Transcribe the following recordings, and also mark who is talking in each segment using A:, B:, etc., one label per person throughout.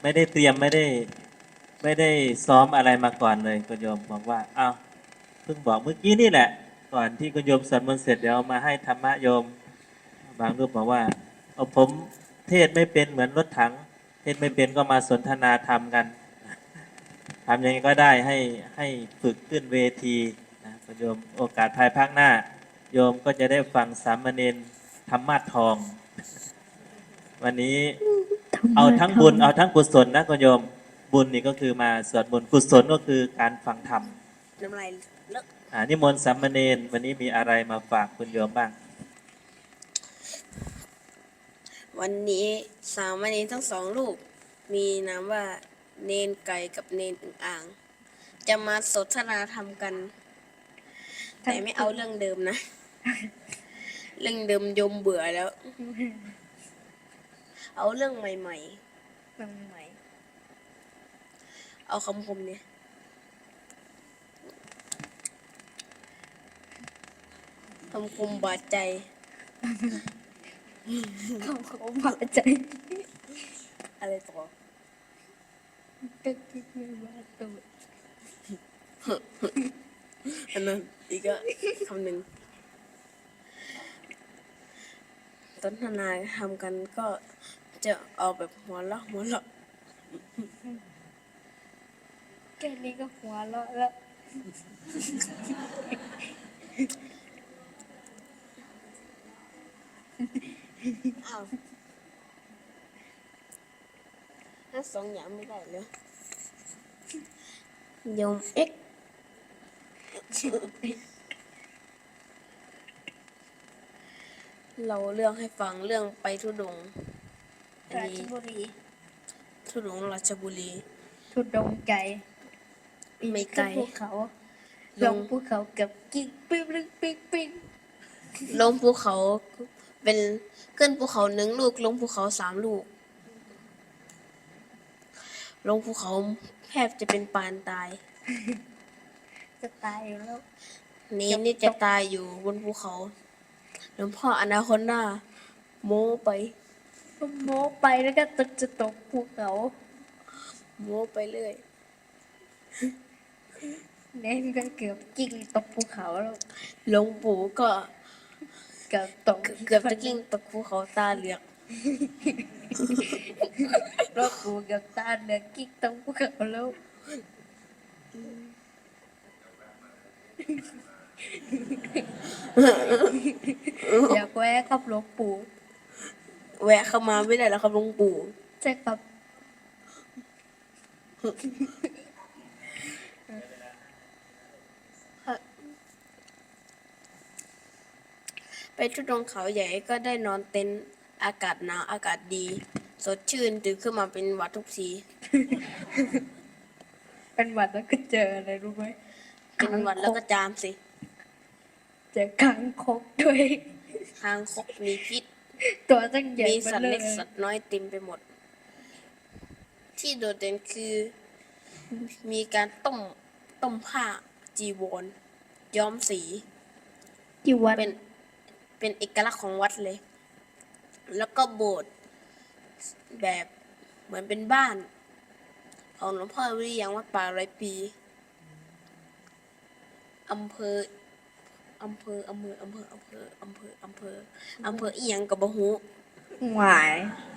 A: ไม่ได้เตรียมไม่ได้ซ้อมอะไรมาก่อนเลยคุณโยมบอกว่าอ้าวเพิ่งบอกเมื่อกี้นี่แหละก่อนที่คุณโยมสวดมนต์เสร็จเดี๋ยวมาให้ธรรมะโยมบางรูปบอกว่าเอาผมเทศไม่เป็นเหมือนรถถังเทศไม่เป็นก็มาสนทนาธรรมกันทำยังไงก็ได้ให้ฝึกขึ้นเวทีนะคุณโยมโอกาสภายภาคหน้าโยมก็จะได้ฟังสามเณรธรรมะทองวันนี้เอาทั้งบุญเอาทั้งกุศลนะคุณโยมบุญนี่ก็คือมาสวดมนต์กุศลก็คือการฟังธรรม
B: น้ำลายเลอะ
A: นิมนต์สามเณรวันนี้มีอะไรมาฝากคุณโยมบ้าง
B: วันนี้สามเณรทั้งสองลูกมีนามว่าเนนไก่กับเนนอึ่งอ่างจะมาสนทนาธรรมกันแต่ไม่เอาเรื่องเดิมนะเรื่องเดิมโยมเบื่อแล้วเอาเรื่องใหม่ๆเอาคำคมเนี่ยคำคมบาดใจ
C: คำคมบาดใจ
B: อะไรต่อ
C: ก็คิดไม่ว่าตัว
B: อันนั้นอีกก็คำหนึ่งสนทนาทำกันก็จะเอาแบบหัวเราะ
C: แค่นี้ก็หัวเราะแล้ว
B: อ้าวถ้าสองอย่างไม่ได้เลยโยมเอ็กเราเรื่องให้ฟังเรื่องไปธุดงค์อัน
C: ราช
B: นี้
C: บุรี
B: ธุดงค์ราชบุรี
C: ทุดงไกล
B: ไม่ไกล
C: ภูเขาลงภูเขากับกิ๊กปิ๊งปิ๊งปิ๊งปิ๊ง
B: ลงภูเขาเป็นขึ้นภูเขาหนึ่งลูกลงภูเขา3 ลูกลงภูเขาแทบจะเป็นปานตาย
C: จะตายอยู่แล้ว
B: นี่จะตายอยู่บนภูเขาหลวงพ่ออนาคอนดาโม้ไป
C: โม้ไปแล้วก็จะตกภูเขา
B: โม้ไปเรื่อย
C: เน้นก็เกือบกิ้งตกภูเขาแล้ว
B: หลวงปู่ก็
C: เกือบตก
B: เกือบจะกิ้งตกภูเขาตาเหลือก
C: รถปูเกือบตาเหลือกกิ้งตกภูเขาแล้วอยากแวะกับหลวงปู่
B: แวะเข้ามาไม่ได้แล้วครับหลวงปู่
C: ใช่ครับ
B: ไปทุดงค์เขาใหญ่ก็ได้นอนเต็นท์อากาศหนาวอากาศดีสดชื่นตื่นขึ้นมาเป็นหวัดทุกที
C: เป็นหวัดแล้วก็เจออะไรรู้ไหม
B: เป็นหวัดแล้วก็จามสิ
C: เจอคางคกด้วย
B: คางคกมีพิษ
C: ตัวตั้งใหญ่
B: มีสัตว์เล็กสัตว์น้อยเต็มไปหมดที่โดดเด่นคือมีการต้มผ้าจีวรย้อมสี
C: ที่วัด
B: เป็นเอกลักษณ์ของวัดเลยแล้วก็โบสถ์แบบเหมือนเป็นบ้านของหลวงพ่อวิริยังวัดป่า100 ปีอำเภออีหยังกับบะฮู
C: หวาย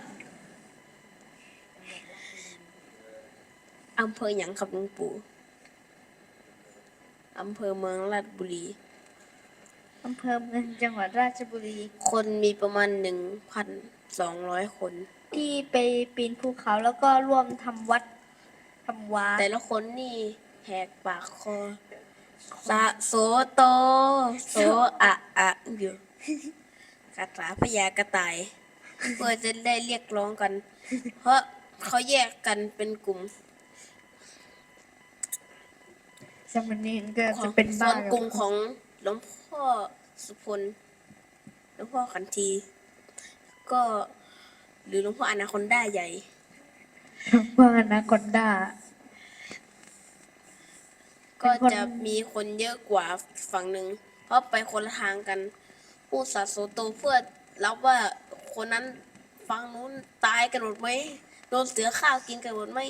B: อำเภอหยังครับหลวงปู่อำเภอเมืองราชบุรี
C: อำเภอเมืองจังหวัดราชบุรี
B: คนมีประมาณ 1,200 คน
C: ที่ไปปีนภูเขาแล้วก็ร่วมทำวัดทำวา
B: แต่ละคนนี่แหกปากคอสะโสโตโสอะอยู่คาถาพญากระต่ายเพื่อจะได้เรียกร้องกันเพราะเขาแยกกันเป็นกลุ่ม
C: สมณเณรก็จะเป็นบ้าน
B: กลุ่มของหลวงพ่อสุพลหลวงพ่อขันทีก็หรือหลวงพ่ออนาคอนดาใหญ่
C: หลวงพ่ออนาคอนดา
B: ก็จะมีคนเยอะกว่าฝั่งหนึ่งเพราะไปคนละทางกันพูดสะโสโตเพื่อรับว่าคนนั้นฝั่งนู้นตายกันหมดไหมโดนเสือข้าวกินกันหมดไหม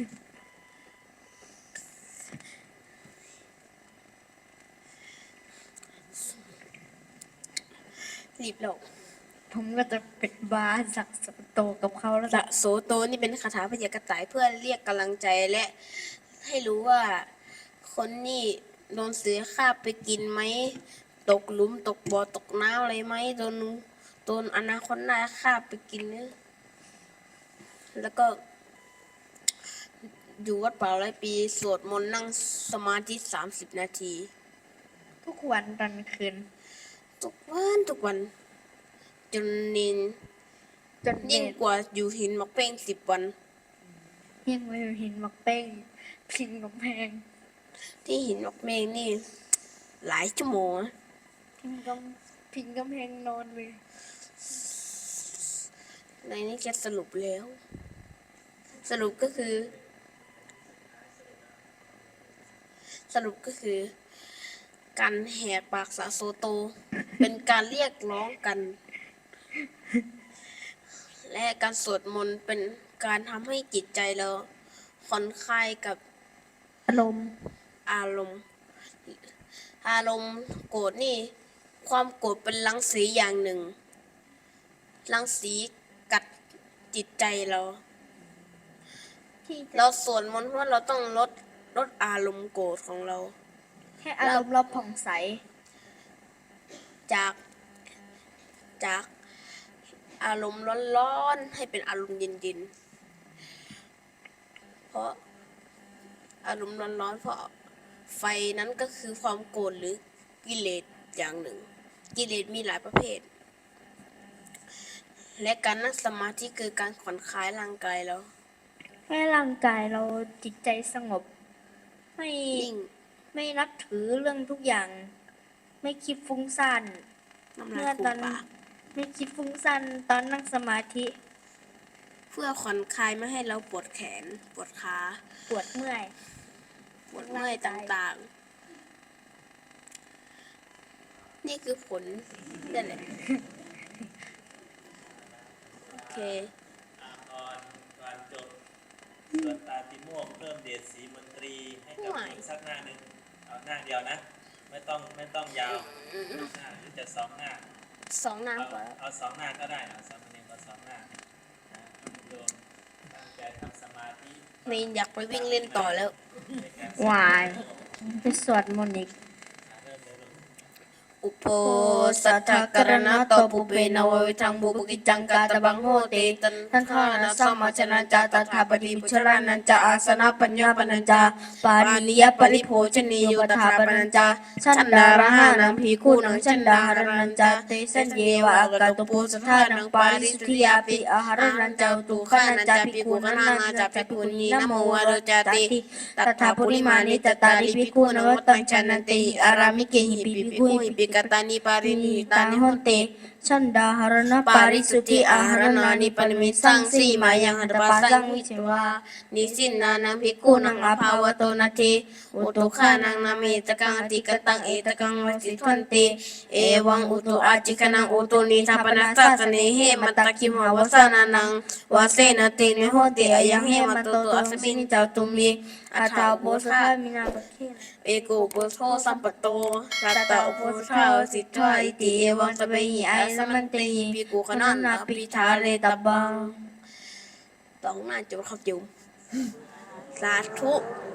B: รีบหลง
C: ผมก็จะเป็นบาสักสโตกับเขาแล้ว
B: สะโสโตนี่เป็นคาถาพยากระต่ายเพื่อเรียกกำลังใจและให้รู้ว่าคนนี่โดนเสือฆ่าไปกินไหมตกหลุมตกบ่อตกน้ำอะไรไหมโดนอนาคตนาฆ่าไปกินเนี่ยแล้วก็อยู่วัดป่า100 ปีสวดมนต์นั่งสมาธิ30 นาที
C: ทุกวันตอนคืน
B: ทุกวันจนนิน
C: จน
B: ยิ่งกว่าอยู่หินหมกเป้ง10 วัน
C: ยิ่งไปหินมักเป้งพิงกำแพง
B: ที่หินหมกเมงนี่หลายชั่วโมงนะ
C: พิงกำแพงนอนเลย
B: ในนี้จะสรุปแล้ว สรุปก็คือ การแหกปากสะโซโต เป็นการเรียกร้องกัน และการสวดมนต์เป็นการทำให้จิตใจเราผ่อนคลายกับ
C: อารมณ์
B: อารมณ์ โกรธนี่ ความโกรธเป็นรังสีอย่างหนึ่ง รังสีกัดจิตใจเรา
C: ที่จะ
B: เราสวดมนต์เพราะเราต้องลดอารมณ์โกรธของเรา
C: ให้อารมณ์เราผ่องใส
B: จากอารมณ์ร้อนๆให้เป็นอารมณ์เย็นๆเพราะอารมณ์ร้อนๆเพราะไฟนั้นก็คือความโกรธหรือกิเลสอย่างหนึ่ง กิเลสมีหลายประเภท และการนั่งสมาธิคือการผ่อนคลายร่างกายเรา
C: ให้ร่างกายเราจิตใจสงบ ไม่
B: ยิ่ง
C: ไม่นับถือเรื่องทุกอย่าง ไม่คิดฟุ้งซ่าน
B: น้ำ
C: เมื่
B: ลา
C: อย
B: ฟู
C: ตอน
B: มปาก
C: ไม่คิดฟุ้งซ่านตอนนั่งสมาธิ
B: เพื่อผ่อนคลายไม่ให้เราปวดแขนปวดขา
C: ปวดเมื่อย
B: ปวดเมื่อยต่างๆ นี่คือผลนั่นแหละ โอเค
A: ก่อนจบส่วนตาติโมกเพิ่มเดชศรีมนตรีให้กับคุณสักหน้าหนึ่งเอาหน้าเดียวนะ ไม่ต้องยาวหน้าหรือจะ2 หน้า
B: 2 น้ำก่อน
A: เอา2 หน้าก็ได้เอา2 คะแนนก็2 หน้านะโยมตั้งใจทำสมาธิ
B: เมนอยากไปวิ่งเล่นต่อแล้ว
A: ในการ
C: วายไปสวดมนต์อีก
A: เริ่มเลยลูก
B: อุปโภสัทธกรณะโตปุเปนววิทังบุปกิจจังกาตบังโหติทันทานะสัมมาชนะจาตถาปฏิปุชรานันจาอาสนะปัญญาปนัญจาปานิยปริโภชนีโยตถาปนัญจาชันดาระหานังพีคู่นังชันดาหานัญจาเตสัญเยวะอากาตุโพสัทธานังปาริสุทธิยาปิอาหารนัญจาตุขนัญจาภิกขุนานาจาภิกขุนีนะโมวะโรจาติตถาปุริมานิจตาริภิกขุนวัตตังชนันติอารามิเกหิปิภิกขุหิปิกตานิปารินิตานิโหติชันดาหารณปาริสุทธิอาหารนานิปนิมิสังสีมายังหัตถปาสังวิเชวานิสินนานังภิกขุนังอาภาวโตนาทีอุตุขานังนามิตกังอติกตังเอตกังวสิทวันติเอวังอุตุอาจิกนังอุตุนิทัปนัสสะสเนเหมตตะคิมหาวสานานังวาเสนติเนโหติอายังเหมตโตตุอัสมินิจาตุมิอาทาโพธามินาปะเคนเอโกโพโธสัมปโตสัตตะโพธาสิทธาอิติเอวังสเปหิไอสมันเตหิภิกขุขนันนาปิทาเรตบังต้องน่าจะเข้าจุมสาธุ